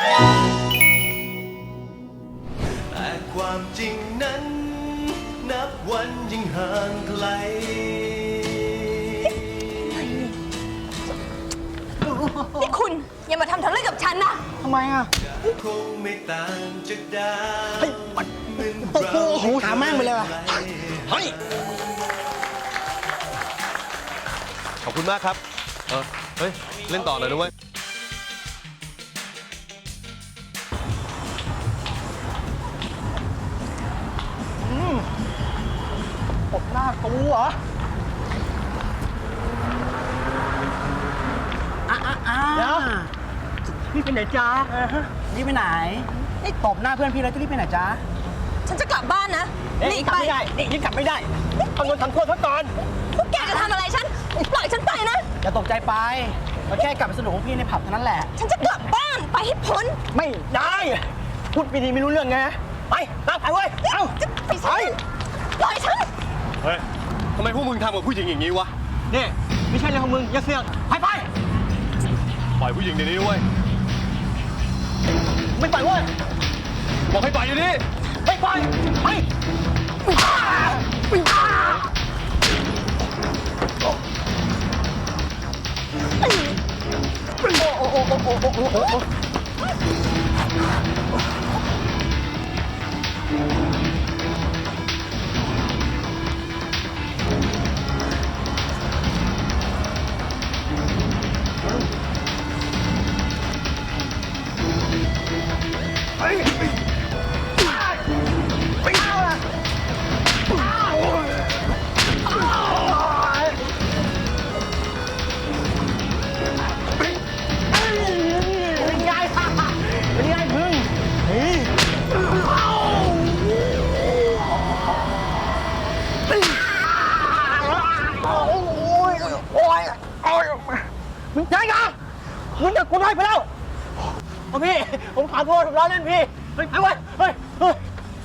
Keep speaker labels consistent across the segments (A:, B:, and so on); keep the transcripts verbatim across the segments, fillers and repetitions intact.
A: แต่ความจริงนั้นนับวันยิ่งห่างไกล
B: นี่คุณอย่ามาทำทะเลาะกับฉันนะ
C: ทำไมอ่ะ
A: คงไม่ต่างจากดาว
C: เฮ้ยมันโอ้โหหาแม่งไปเลยว่ะเฮ้ย
D: ขอบคุณมากครับเออเฮ้ยเล่นต่อหน่อยด้วย
C: ตบหน้ากูเหรออ่ะอ่ะอ่ะเดี๋ยวพี่ไปไหนจ๊ะนี่ไปไหนนี่ตบหน้าเพื่อนพี่แล้วจะรีบไปไหนจ๊ะ
B: ฉันจะกลับบ้านนะหนี
C: กลับ
B: ไป
C: ไม่ได้นี่กลับไม่ได้ทำโดนทำโทษซะก่อน
B: พวกแกจะทำอะไรฉันปล่อยฉันไปนะ
C: อย่าตกใจไปเราแค่กลับไปสนุกของพี่ในผับเท่านั้นแหละ
B: ฉันจะกลับบ้านไปให้พ้น
C: ไม่ได้พูดไม่ดีไม่รู้เรื่องไงไปนั่งไปเว้ยเอ้า
B: จะไป
C: ไป
B: ปล่อยฉัน
D: เฮ้ยทำไมพวกมึงทำกับผู้หญิงอย่างนี้วะ
C: นี่ไม่ใช่เรื่องของมึงอย่าเสือกไปไป
D: ปล่อยผู้หญิงเดี๋ยวนี้ด้วย
C: ไม่ไปเว้ย
D: บอกให้ปล่อยเดี๋ยวนี้
C: ไม่ไปไปโอ้โอ้โอ้โอ้โอ้โอ้โอ้มึงใจกันมึงจะกูได้ไปแล้วพี่ผมขอโทษผมล้อเล่นพี่เฮ้ยไปเว้ยเฮ้ยเฮ้ย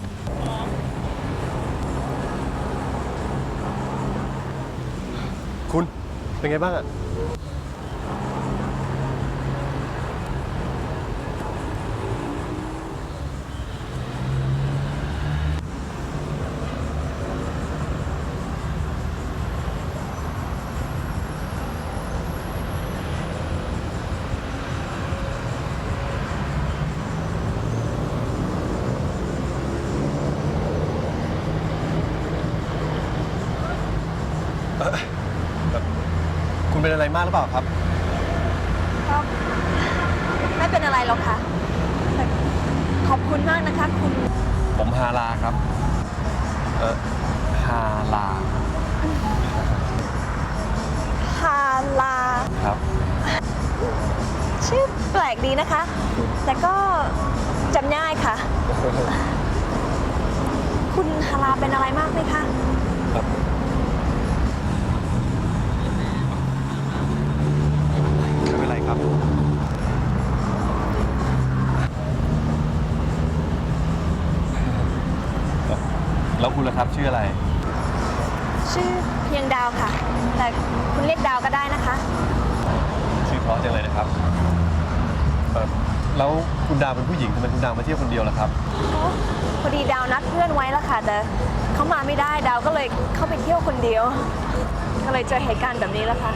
D: คุณเป็นไงบ้างอะคุณเป็นอะไรมากหรือเปล่าครับ
B: ครับไม่เป็นอะไรหรอกค่ะแต่ขอบคุณมากนะคะคุณ
D: ผมฮาลาครับ เออฮาลา
B: ฮาลา
D: ครับ
B: ชื่อแปลกดีนะคะ แต่ก็จำง่ายค่ะ คุณฮาลาเป็นอะไรมากไหมคะ
D: ครับไม่เป็นไรครับ แล้วคุณล่ะครับชื่ออะไร
B: ชื่อเพียงดาวค่ะ แต่คุณเรียกดาวก็ได้นะคะ
D: ชื่อเพราะจังเลยนะครับเอ่อแล้วคุณดาวเป็นผู้หญิงทำไมคุณดาวมาเที่ยวคนเดียวล่ะครับ
B: พอดีดาวนัดเพื่อนไว้แล้วค่ะ แต่เขามาไม่ได้ดาวก็เลยเข้าไปเที่ยวคนเดียว ก็เลยเจอเหตุการณ์แบบนี้แล้วค่ะ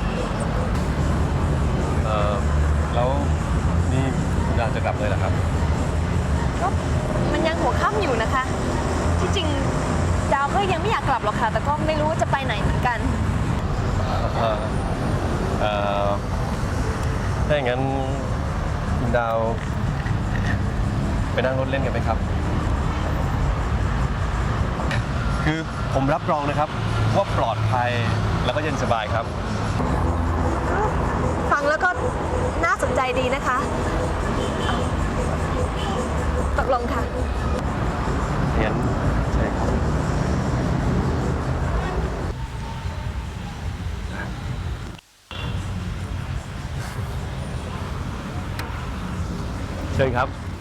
D: เอ่อแล้วนี่คุณดาวจะกลับเลยเหรอครับ
B: ก็มันยังหัวค่ำอยู่นะคะ ที่จริงดาวก็ยังไม่อยากกลับหรอกค่ะ แต่ก็ไม่รู้ว่าจะไปไหนเหมือนกัน
D: เอ่อเอ่อถ้าอย่างนั้นคุณดาวไปนั่งรถเล่นกันไหมครับ คือผมรับรองนะครับว่าปลอดภัยแล้วก็เย็นสบายครับ
B: ฟังแล้วก็น่าสนใจดีนะคะตกลงค่ะ
D: งั้นใช่ครับเชิญครับ